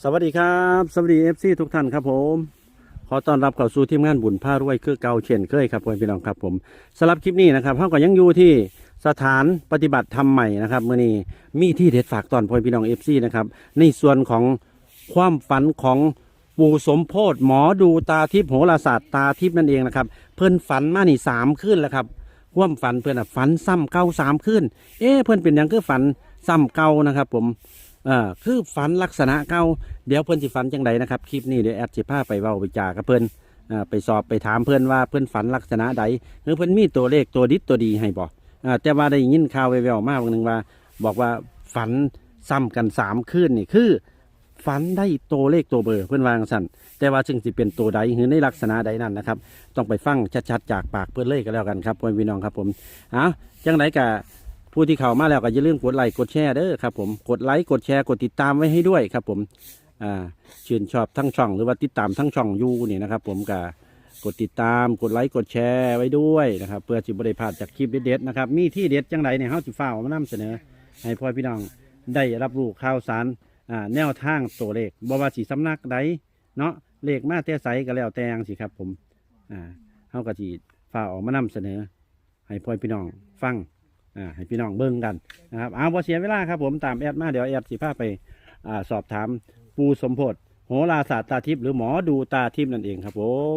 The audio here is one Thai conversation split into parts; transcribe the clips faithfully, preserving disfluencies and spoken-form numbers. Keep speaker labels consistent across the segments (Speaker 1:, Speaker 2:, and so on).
Speaker 1: สวัสดีครับสวัสดีเอฟซีทุกท่านครับผมขอต้อนรับเข้าสู่ทีมงานบุญผ้ารวยคือเก่าเช่นเคยครับพี่น้องครับผมสำหรับคลิปนี้นะครับเราก็ยังอยู่ที่สถานปฏิบัติธรรมใหม่นะครับเมื่อนี้มีที่เด็ดฝากตอนพี่น้องเอฟซีนะครับในส่วนของความฝันของปู่สมโพธิหมอดูตาทิพย์โหราศาสตร์ตาทิพย์นั่นเองนะครับเพิ่นฝันมานี่สามคืนแล้วครับความฝันเพื่อนอ่ะฝันซ้ำเก่าสามคืนเอ๊ะเพื่อนเป็นอย่างคือฝันซ้ำเก่านะครับผมอ่าคือฝันลักษณะเก่าเดี๋ยวเพื่อนสิฝันจังไดนะครับคลิปนี้เดี๋ยวแอดสิพาไปเว้าไปจากับเพื่อนอ่าไปสอบไปถามเพื่อนว่าเพื่อนฝันลักษณะใดหรือเพื่อนมีตัวเลขตัวดิดตัวดีให้บ่อ่าแต่ว่าได้ยินข่าวแว่วๆมาบางนึงว่าบอกว่าฝันซ้ำกันสามคืนนี่คือฝันได้ตัวเลขตัวเบอร์เพื่อนวาจั่งสั่นแต่ว่าซึ่งสิเป็นตัวใดหรือในลักษณะใดนั่นนะครับต้องไปฟังชัดๆจากปากเพื่อนเลยก็แล้วกันครับพี่น้องครับผมอ้าวจังไดกะผู้ที่เข้ามาแล้วก็อย่าลืมกดไลค์กดแชร์เด้อครับผมกดไลค์กดแชร์กดติดตามไว้ให้ด้วยครับผมอ่าชื่นชอบทั้งช่องหรือว่าติดตามทั้งช่องยูนี่นะครับผมก็กดติดตามกดไลค์กดแชร์ไว้ด้วยนะครับเพื่อจะบริพลาดจากคลิปเด็ดๆนะครับมีที่เด็ดจังไดเนี่ยเฮาสิฟ้าวมานำเสนอให้พ่อพี่น้องได้รับรู้ข่าวสารอ่าแนวทางตัวเลขบ่ว่าสิสำนักใดเนาะเลขมาแต่ไสก็แล้วแต่จังสิครับผมอ่าเฮาก็สิฟ้าวออกมานำเสนอให้พ่อพี่น้องฟังอ่าให้พี่น้องเบิ่งกันนะครับเอาบ่เสียเวลาครับผมตามแอดมาเดี๋ยวแอดสิพาไปอ่าสอบถามปู่สมโพธิโหราศาสตร์ตาทิพย์หรือหมอดูตาทิพย์นั่นเองครับผม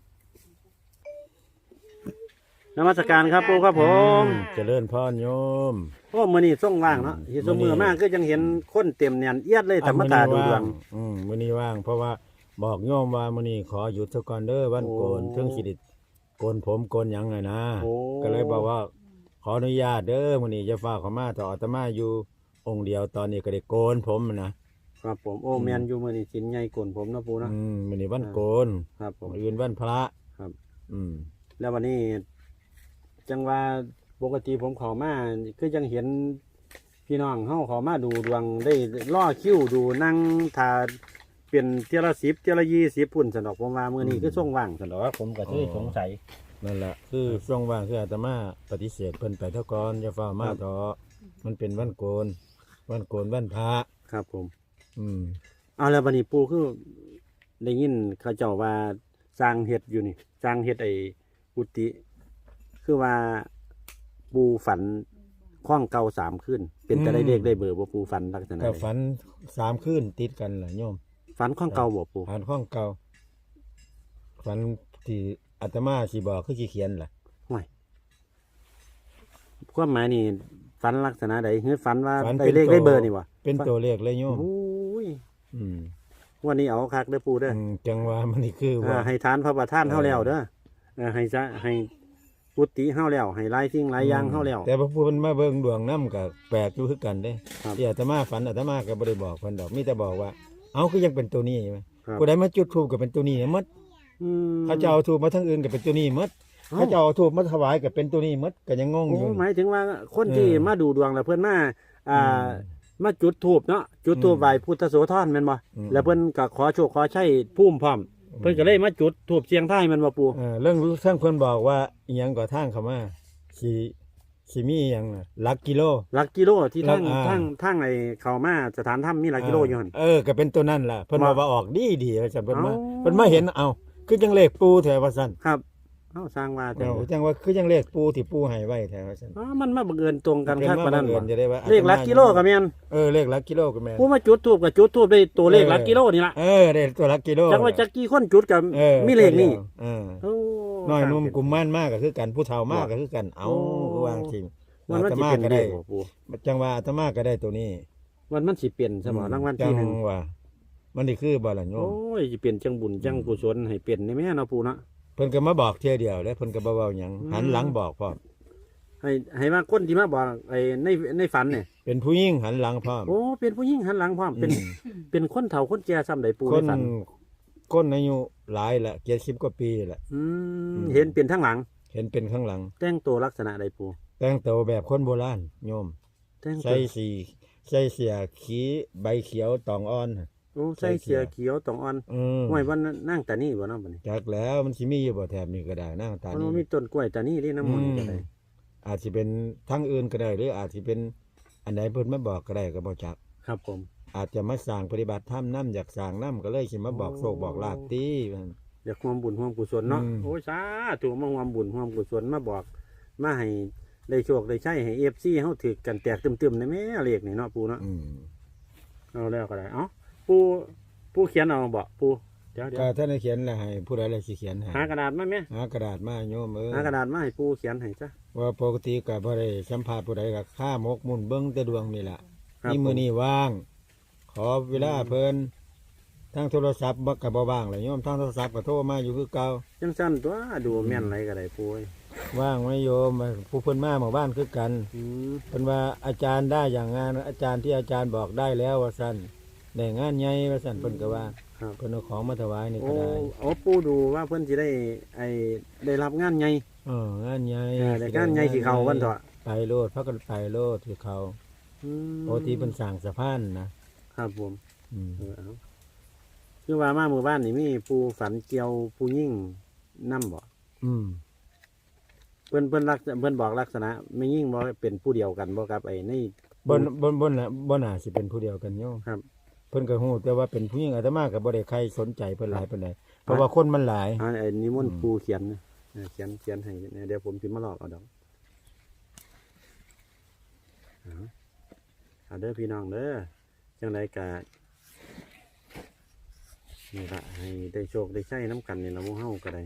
Speaker 1: นมัสการครับปู่ครับผม
Speaker 2: เจริญพรโยม
Speaker 1: โอ้มื้อนี้ส่งว่างเนาะเฮ็ดซุมื้อมากก็ยังเห็นคนเต็มแน่นเอียดเลยธรรมตาดูดวง
Speaker 2: อืมมื้อนี้ว่างเพราะว่าบอกโยมว่ามื้อนี้ขอหยุดซะก่อนเด้อวันโกนถึงสิได้โกนผมโกนหยังไงนะก็เลยบอกว่าขออนุญาตเด้อมื้อนี้จะฝากเขามาต่ออาตมาอยู่องค์เดียวตอนนี้ก็ได้โกนผมนะครับ
Speaker 1: ผมโอ้แม่นอยู่มื้อนี้สินใหญ่กวนผมเนาะปู่เนาะ
Speaker 2: อืมมื้อนี้วันโกน
Speaker 1: ครับผม
Speaker 2: อื่นวันพระ
Speaker 1: ครับ
Speaker 2: อืม
Speaker 1: แล้ววันนี้จังว่าปกติผมเข้ามาคือยังเห็นพี่น้องเฮาเข้ามาดูดวงได้ล่อคิวดูนั่งทาเป็นเที่ยวละสิบเที่ยวละยี่สิบพุ่นสนอกผมว่ามื้อนี้คือส่งว่างสนอกผมก็เลยสงสัย
Speaker 2: นั่นแหละคือช่วงว่างคืออาตมาปฏิเสธเพิ่นไปเท่าก่อนอย่าฟ้ามาต่อมันเป็นวันโกนวันโกนวันพระ
Speaker 1: ครับผม
Speaker 2: อืม
Speaker 1: เอาแล้วบัดนี้ปู่คือได้ยินเขาเจ้าว่าสร้างเฮ็ดอยู่นี่สร้างเฮ็ดไอ้กุฏิคือว่าปูฝันข้องเก่าสามขึ้นเป็นจะได้เลขได้เบอร์บ่ปูฝันลักษณะ
Speaker 2: ก็ฝันสามคืนติดกันแหละโยม
Speaker 1: ฝันข้องเก่าบ่ปู
Speaker 2: ฝันข้องเก่าฝันที่อาตมาสิบอกคือสิเขียนล่ะ
Speaker 1: ห่วยความหมายนี่ฝันลักษณะใดคือฝันว่าได้เลขได้เบอร์นี่วะ
Speaker 2: เป็นตัวเลขเลยโยม
Speaker 1: โอ้ย
Speaker 2: อืม
Speaker 1: วันนี้เอาคักเด้อปูเด้อ
Speaker 2: จังว่ามันนี่คือว่า
Speaker 1: ให้ทานพระประธานเฮาแล้วเด้อให้ซะให้กุฏิเฮาแล้วให้หลายสิ่งหลายอย่างเฮาแล้ว
Speaker 2: แต่พระพุทธมาเบิ่งดวงนำก็แปลกอยู่คือกันเด้ที่อาตมาฝันอาตมาก็บ่ได้บอกเพิ่นดอกมีแต่บอกว่าเอ้าคือยังเป็นตัวนี้ใช่มั้ยผู้ใดมาจุดธูปก็เป็นตัวนี้หมด
Speaker 1: อืม
Speaker 2: เขาจะเอาธูปมาทางอื่นก็เป็นตัวนี้หมดเขาจะเอาธูปมาถวายก็เป็นตัวนี้หมดก็ยังงงอยู่
Speaker 1: หมายถึงว่าคนที่มาดูดวงแล้วเพิ่นมาอ่ามาจุดธูปเนาะจุดธูปไหว้พุทธโสธรแม่นบ่แล้วเพิ่นก็ขอโชคขอชัยภูมิพร้อมเพิ่นก็เลยมาจุดธูปเสียงทายแม่นบ่ปู่
Speaker 2: เออเรื่องท่านเพิ่นบอกว่าอีหยังก็ทางเข้ามาสิสิมีอีหยังน่ะหลักกิโล
Speaker 1: หลักกิโลที่ทางทางทางไอ้เข้ามาสถานถ้ำมีหลักกิโลอยู่หั่น
Speaker 2: เออก็เป็นตัวนั้นล่ะเพิ่นว่าออกดีๆว่าซั่นเพิ่นมาเพิ่นมาเห็นเอ้าคือจังเลขปูแท้ว่าซั่น
Speaker 1: ครับเอ้าสร้างว่า
Speaker 2: แต่จังว่าคือจังเลขปูที่ปูให้ไว้แท้ว่าซั่น
Speaker 1: อ๋อมันมาบังเอิญตรงกันคักปานนั้นบ่เลขหลักกิโลก็แม่น
Speaker 2: เออเลขหลักกิโลก็แม่น
Speaker 1: ผู้มาจุดธูปก็จุดธูปได้ตัวเลขหลักกิโลนี่ล่ะ
Speaker 2: เออได้ตัวหลักกิโล
Speaker 1: จังว่าจักกี่คนจุดก็มีเลขนี่
Speaker 2: เออโอ้น้อยนุ่มกุมม่านมากก็คือกันผู้เฒ่ามากก็คือกันเอ้าคือวางจริง
Speaker 1: มันมันสิเป็น
Speaker 2: ก็ได้จังว่าอาตมาก็ได้ตัวนี้
Speaker 1: มันมันสิเปลี่ยนสมอรางวัลที่หนึ่ง
Speaker 2: ว่ามันนี่คือบ่ล่ะโยม
Speaker 1: โอ้ยสิเปลี่ยนจังบุญจังกุศลให้เปลี่ยนในแม่เนาะปู่เนาะ
Speaker 2: เพิ่นก็มาบอกเที่ยเดียวแล้วเพิ่นก็บ่เว้าหยังหันหลังบอกพร้อม
Speaker 1: ให้ให้ว่าคนที่มาบอกไอ้ในในฝันเนี่ย
Speaker 2: เป็นผู้หญิงหันหลังพร้อม
Speaker 1: โอ้เป็นผู้หญิงหันหลังพร้อมเป็นเป็นคนเฒ่าคนแก่ซ้ำใดปู่ในฝัน
Speaker 2: คนอายุหลายละเจ็ดสิบกว่าปีละ
Speaker 1: อืมเห็นเป็นทั้งหลัง
Speaker 2: เห็นเป็นข้างหลัง
Speaker 1: แต่งตัวลักษณะใดปู่
Speaker 2: แต่งตัวแบบคนโบราณโยมใส่สีใส่เสื้อขีใบเขียวตองอ่อน
Speaker 1: โอ้ใส่เสื้อเขียวตองอ่อนห้วยวันนั่งตานี่บ่เนาะบัดนี้
Speaker 2: จักแล้วมันสิมีอยู่บ่แถบนี้ก็ได้นั่งตานี่
Speaker 1: มันมีต้นกล้วยตานี่นี่น้ำมันก็ได้
Speaker 2: อาจสิเป็นทางอื่นก็ได้หรืออาจสิเป็นอันไหนเพิ่นมาบอกก็ได้ก็บ่จัก
Speaker 1: ครับผม
Speaker 2: อาจจะมาสร้างปฏิบัติธรรมน้ำอยากสร้างน้ำก็เลยสิมาบอกโศกบอกลาบตีมัน
Speaker 1: อยากความบุญความกุศลเนาะ
Speaker 2: อืม
Speaker 1: โอ้ยสาธุมาความบุญความกุศลมาบอกมาให้ได้โชคได้ใช้ให้ เอฟ ซี เฮาถือกันแตกตึมๆในแม่เลขนี่เนาะปูเนาะ
Speaker 2: อืม
Speaker 1: เอาแล้วก็ได้เอ้าปูปูเขียนเอาบ่ปูเดี๋ยวเดี๋ยว
Speaker 2: ก็ท่านได้เขียนแล้วให้ผู้ใดเลยสิเขียนให้
Speaker 1: หากระดาษมาแม่
Speaker 2: หากระดาษมาโยมเออ
Speaker 1: หากระดาษมาให้ปูเขียนให้จ้ะ
Speaker 2: ว่าปกติก็บ่ได้สัมภาษณ์ผู้ใดก็ข้ามกมุ่นเบิ่งแต่ดวงนี่ล่ะ
Speaker 1: ครับ
Speaker 2: นี่มื้อ
Speaker 1: ผม
Speaker 2: นี้ว่าง ขอเวลาเพิ่นทางโทรศัพท์บ่ก็บ่ว่างเลยโยมทางโทรศัพท์ก็โทรมาอยู่คือเก่า
Speaker 1: จังสั้นตัวดูแม่นไรก็ได้ปูเอ้ย
Speaker 2: ว่างไหมโยมผู้เพิ่นมาหมู่บ้านคือกัน
Speaker 1: อืม
Speaker 2: เพิ่นว่าอาจารย์ได้อย่างงานอาจารย์ที่อาจารย์บอกได้แล้วว่าซั่นได้งานใหญ่ว่าซั่นเพิ่นก็ว่า
Speaker 1: ครับ
Speaker 2: เพิ่นเอาของมาถวายนี่
Speaker 1: โอ้
Speaker 2: ก็ได้
Speaker 1: โอ้ปูดูว่าเพิ่นสิได้ไอ้ได้รับงานไง
Speaker 2: เอองานใหญ่
Speaker 1: ได้งานไงสิเขาวันเถอะ
Speaker 2: ไปโลดพักกันไปโลดที่เขา
Speaker 1: อืม
Speaker 2: ปกติเพิ่นสร้างสะพานนะครับ
Speaker 1: ผม
Speaker 2: อืม
Speaker 1: เออเอาคือว่ามาหมู่บ้านนี่มีปูฝันเกี่ยวปูยิ่งนํบ่
Speaker 2: อืม
Speaker 1: เพิ่นเพิ่นลักษเพิ่นบอกลักษณะไม่ยิ่งบ่เป็นผู้เดียวกันบ่ครับไอ้ใน
Speaker 2: บนบนบนน่ะบนน่าสิเป็นผู้เดียวกันโยม
Speaker 1: ครับ
Speaker 2: เพิ่นก็ฮู้แต่ว่าเป็นผู้หญิงอาตมาก็บ่ได้ใครสนใจเพิ่นหลายปานใดเพราะว่าคนมันหลาย
Speaker 1: อ่าไอ้นิมนต์
Speaker 2: อืม
Speaker 1: ปูเขียนนะเออเขียนเขียนให้เนี่ยเดี๋ยวผมสิมาลอกเอาดอกเอาเอาเด้อพี่น้องเด้อจังไดก็นี่ละให้ได้โชคได้ใช้น้ำกันนี่ละหมู่เฮาก็ได้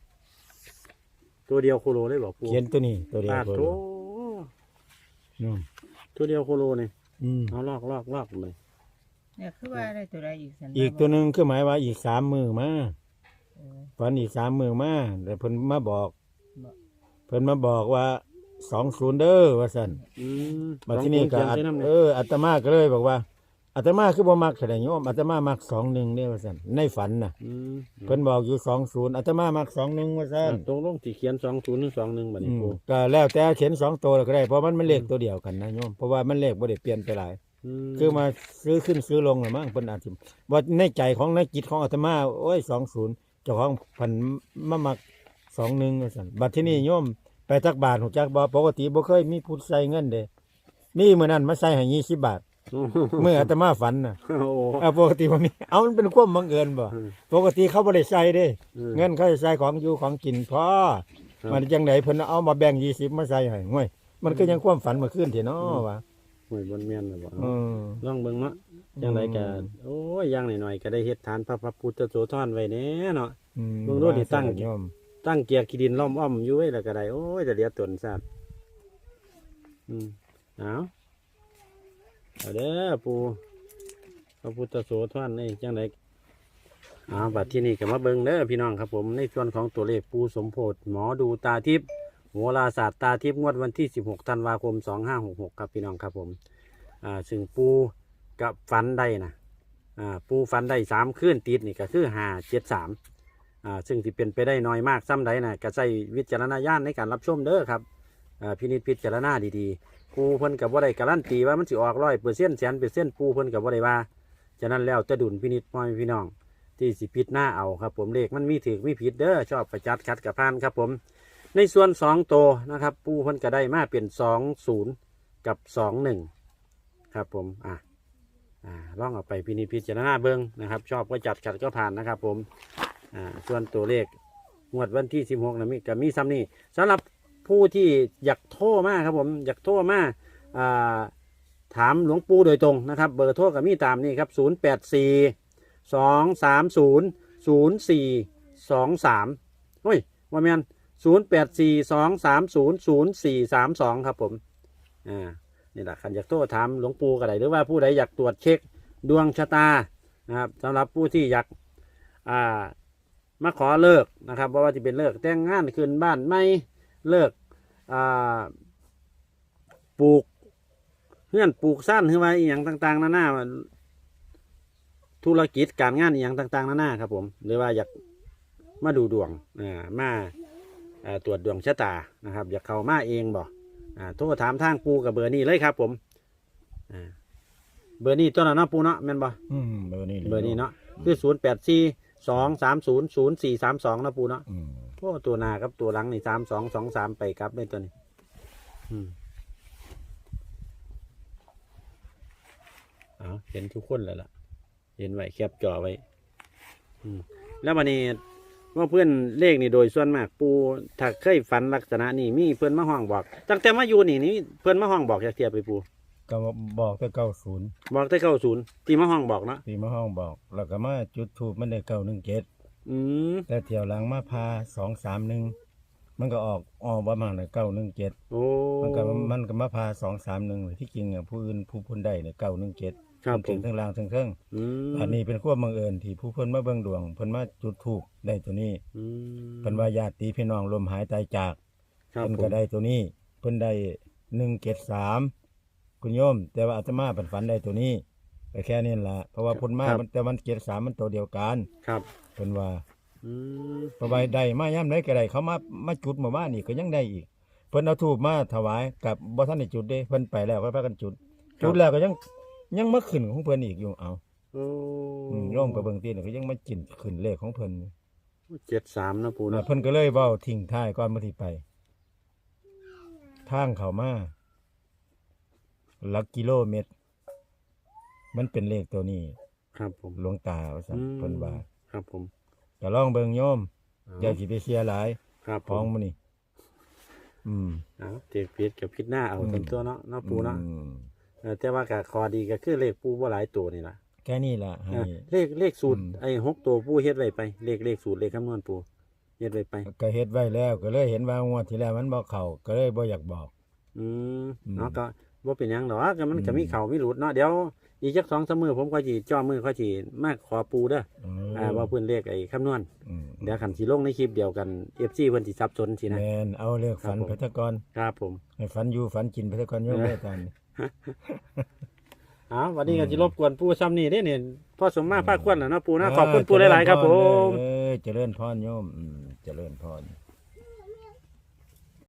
Speaker 1: ตัวเดียวโคโลเลยบ่ปู
Speaker 2: เขียนตัวนี้ตัวเดียว
Speaker 1: ปาด
Speaker 2: ตัว
Speaker 1: โถ
Speaker 2: เดียวนู่น
Speaker 1: ตัวเดียวโคโลนี่
Speaker 2: อืม
Speaker 1: เอาลอกลอกลอกเลย
Speaker 3: เนี่ยคือว่าได้ตัวใดอีกสัน
Speaker 2: อีกตัวหนึงคือหมายว่าอีกสามมื้อมา
Speaker 3: เออ
Speaker 2: ฝันอีกสามมื้อมาแต่เพิ่นมาบอก
Speaker 3: บอก
Speaker 2: เพิ่นมาบอกว่าสองศูนย์เด้อว่าซั่น
Speaker 1: อืม
Speaker 2: มาที่นี่ก็
Speaker 1: ลอง
Speaker 2: อั
Speaker 1: ปู
Speaker 2: ต
Speaker 1: เขียนใส่น้ำ
Speaker 2: เอ
Speaker 1: เนี่ย
Speaker 2: ออาตมาก็เลยบอกว่าอาตมาคือบ่มักแสดงโยมอาตมามักสองหนึ่งเนี่ยว่าซั่นในฝันน่ะ
Speaker 1: อืม
Speaker 2: เพิ่นบอกอยู่สองศูนย์อาตมามักสองหนึ่งว่าซั่น
Speaker 1: ตรงลงที่เขียนสองศูนย์หรือสองหนึ่งบัดนี้
Speaker 2: อืม
Speaker 1: ปู
Speaker 2: ก็แล้วแต่เขียนสองตัวก็ได้เพราะมันมันเลขตัวเดียวกันนะโยมเพราะว่ามันเลขบ่ได้เปลี่ยนไปหลาย คือมาซื้อขึ้นซื้อลงหรือมั้งเพิ่นอาจสิว่าในใจของในจิตของอาตมาโอ้ยสองศูนย์เจ้าของพันมามักสองหนึ่งว่าซั่นบัดที่นี่โยมไปจักบาทหูจักบ่ปกติบ่เคยมีผู้ใส่เงินเด้นี่มื้อนั้นมาใส่ให้ยี่สิบบาท เมื่ออาตมาฝันน่ะ
Speaker 1: โอ้โห
Speaker 2: อ่าปกติบ่มีเอามันเป็นความบังเอิญบ่
Speaker 1: อืม
Speaker 2: ปกติเขาบ่ได้ใส่เด้
Speaker 1: อืม
Speaker 2: เงินเขาจะใส่ของอยู่ของกินพอ
Speaker 1: ครับ
Speaker 2: มันจังไดเพิ่นเอามาแบ่งยี่สิบมาใส่ให้ห่วยมันก็ยังความฝันเมื่อคืนที่เนาะว่า
Speaker 1: หวยบนเมียนเลยบ่
Speaker 2: อืม
Speaker 1: ลองเบิ่งเนาะจังไดก็โอ้ยอย่างหน่อยๆก็ได้เฮ็ดฐานพระพระพุทธโสธรไว้แน่เนาะ
Speaker 2: อืม
Speaker 1: เบิ่งดูดิตั้ง
Speaker 2: โยม
Speaker 1: ตั้งเกียร์ขี้ดินล้อมอ้อมอยู่ไว้แล้วก็ได้โอ้ยจะเหลียตนซาดอืมเอาเอาเด้อปู่พระพุทธโสธรนี่จังไดเอ้าบัดที่นี่ก็มาเบิ่งเด้อพี่น้องครับผมในส่วนของตัวเลขปู่สมโพธิหมอดูตาทิพย์โหราศาสตร์ตาทิพย์งวดวันที่สิบหกธันวาคมสองห้าหกหกครับพี่น้องครับผมอ่าซึ่งปู่กับฟันได้นะอ่าปู่ฟันได้สามคืนติดนี่ก็คือห้าเจ็ดสาม อ่าซึ่งที่เป็นไปได้น้อยมากซ้ำใดนะก็ใช้วิจารณญาณในการรับชมเด้อครับอ่าพินิจพิจารณาดีๆปูเพิ่นกับว่าได้การันตีว่ามันสิออกร้อยเปอร์เซ็นต์แสนเปอร์เซ็นต์ปูเพิ่นกับว่าได้ว่าฉะนั้นแล้วจะดุลพินิจพ่อแม่พี่น้องที่สิพิจหน้าเอาครับผมเลขมันมีถือมีผิดเด้อชอบประจัดคัดกับพานครับผมในส่วนสองโตวนะครับปูเพิ่นก็ได้มาเป็นสองศูนย์กับสองหนึ่งครับผมอ่ะอ่าลองเอาไปพินิจพิจารณาเบิ้งนะครับชอบก็จัดขัดก็ผ่านนะครับผม อ่าส่วนตัวเลขงวดวันที่สิบหกนะมีกับมีซ้ำนี่สำหรับผู้ที่อยากโทรมาครับผมอยากโทรมาอ่าถามหลวงปู่โดยตรงนะครับเบอร์โทรกับมีตามนี่ครับศูนย์แปดสี่สองสามศูนย์ศูนย์สี่สองสามเฮ้ยว่าแมนศูนย์แปดสี่สองสามศูนย์ศูนย์สี่สามสองครับผมอ่านี่แหละคันอยากโทรถามหลวงปู่ก็ได้หรือว่าผู้ใดอยากตรวจเช็คดวงชะตานะครับสำหรับผู้ที่อยากอ่า มาขอเลิกนะครับเพราะว่าจะเป็นเลิกแต่งงานคืนบ้านไม่เลิกอ่าปลูกเพื่อนปลูกสั้นขึ้นมาอหย่างต่างๆนานาธุรกิจการงานอหย่างต่างๆนานาครับผมหรือว่าอยากมาดูดวงอ่ามาอ่าตรวจดวงชะตานะครับ อยากเข้ามาเองบ่อ่าโทรถามทางปูกับเบอร์นี้เลยครับผมอ่าเบอร์นี้ตัวนั้นเนาะปูเนาะแม่นบ่
Speaker 2: อืมเบอร์นี้ลย
Speaker 1: เบอร์นี้เนาะคือศูนย์แปดสี่สองสามศูนย์ศูนย์สี่สามสองนะปูเนาะ
Speaker 2: อืม
Speaker 1: โอ้ตัวหนาครับตัวหลังนี่สามสองสองสามไปครับเลยตัวนี้อืมเอาเห็นทุกคนแล้วล่ะเห็นไว้แคปจอไว้อืมแล้ววันนี้ว่าเพื่อนเลขนี่โดยส่วนมากปูถ้าเคยฝันลักษณะนี้มีเพื่อนมาห้องบอกตั้งแต่มาอยู่นี่นี่เพื่อนมาห้องบอกจากเทียบไปปู
Speaker 2: ก็บอกแต่เก้าศูนย์
Speaker 1: บอกได้เก้าศูนย์ที่มาห้องบอกเนาะ
Speaker 2: ที่มาห้องบอกแล้วก็มาจุดทูบมันได้เก้าหนึ่งเจ็ด
Speaker 1: อืม
Speaker 2: แต่เที่ยวหลังมาพาสองสามหนึ่งมันก็ออกออกประมาณเก้าหนึ่งเจ็ด
Speaker 1: โอ้
Speaker 2: มันก็มันก็มาพาสองสามหนึ่งที่จริงอ่ะผู้อื่นผู้พ้นได้เนี่ยเก้าหนึ่งเจ็ด
Speaker 1: ครับผ
Speaker 2: ถึ
Speaker 1: ม
Speaker 2: งทั้งล่างทั้งเครื่อง
Speaker 1: อืม
Speaker 2: อันนี้เป็นความบังเอิญที่ผู้เพิ่นมาเบิ่งดวงเพิ่นมาจุดทูบได้ตัวนี้
Speaker 1: อืม
Speaker 2: เพิ่นว่าญาติพี่น้องลมหายตายจาก
Speaker 1: ครับ
Speaker 2: เพิ่น
Speaker 1: ผ
Speaker 2: ก็
Speaker 1: ม
Speaker 2: ได้ตัวนี้เพิ่นได้หนึ่งเจ็ดสามคุณโยม แต่ว่าอาตมาเพิ่นฝันได้ตัวนี้แต่แค่นี้ล่ะเพราะว่าเพิ่นมามันแต่มันเจ็ดสามมันตัวเดียวกัน
Speaker 1: ครับ
Speaker 2: เพิ่นว่า
Speaker 1: อืม
Speaker 2: เพราะว่าได้มาย่ำไดก็ได้เขามามาจุดหมู่บ้านนี่ก็ยังได้อีก เพิ่นเอาทูบมาถวายกับบ่ทันได้จุดเด้เพิ่นไปแล้วก็พากันจุด จุดแล้วก็ยังยังมาขึ้นของเพิ่นอีกอยู่เอา
Speaker 1: โอ้
Speaker 2: อืมลงไปเบิ่งตีนก็ยังมาจินขึ้นเลขของเพิ่น
Speaker 1: เจ็ดสามนะปู
Speaker 2: แล้
Speaker 1: นะ
Speaker 2: วเพิ่นก็เลยเว้าทิ้งท้ายก่อนมาที่ไป ทางเข้ามาหลักกิโลเมตร มันเป็นเลขตัวนี้
Speaker 1: ครับผม
Speaker 2: หลวงตาว่าซั่น
Speaker 1: อืม
Speaker 2: เพิ่นว่า
Speaker 1: ครับผม
Speaker 2: ก็ลองเบิ่งโยม
Speaker 1: เอา
Speaker 2: อย่าสิไปเสียหลาย
Speaker 1: ครับผ
Speaker 2: ของ
Speaker 1: ม
Speaker 2: มื้อนี้อืม
Speaker 1: เอาเจ็บพิษกับพิษหน้าเอา
Speaker 2: อืม
Speaker 1: เต็มตัวเนาะเนาะปูเนาะ
Speaker 2: อืม
Speaker 1: เออแต่ว่าก็คอดีก็คือเลขปูบ่หลายตัวนี่ล่ะ
Speaker 2: แค่นี้ล่ะให้
Speaker 1: เออเลขเลขสูตร
Speaker 2: อืม
Speaker 1: ไอ้หกตัวปูเฮ็ดไว้ไปเลขเลขสูตรเลขคำนวณปูเฮ็ดไว้ไป
Speaker 2: ก็เฮ็ดไว้แล้วก็เลยเห็นว่างวดที่แล้วมันบ่เข้าก็เลยบ่อยากบอก
Speaker 1: อืม
Speaker 2: อืม
Speaker 1: เนาะก็บ่เป็นหยังดอกก็มัน
Speaker 2: อืม
Speaker 1: ก็มีเข่ามีหลุดเนาะเดี๋ยวอีกจักสองสามมื้อผมก็สิจ้อมือก็สิมาขอปูเด้อ
Speaker 2: เออ
Speaker 1: อ่าว่าเพิ่นเลขไอ้คำนวณ
Speaker 2: อืม
Speaker 1: เดี๋ยวคันสิลงในคลิปเดียวกัน เอฟ ซี เพิ่นสิสับสนสินะ
Speaker 2: แม่นเอาเลือกฝัน
Speaker 1: ครับผม
Speaker 2: ไปซะก่อน
Speaker 1: ครับผม
Speaker 2: ให้ฝันอยู่ฝันกินไปซะก่อนโยม
Speaker 1: เออ
Speaker 2: แม่กัน
Speaker 1: อ้าววันนี้ก็
Speaker 2: อืม
Speaker 1: สิรบกวนปูซ้ำนี่เด้เนี่ยพ่อสมมาภาคควรน่ะเนาะปูนะขอบคุณปูหลายๆครับผม
Speaker 2: เออเจริญพรโยมอืมเจริญพร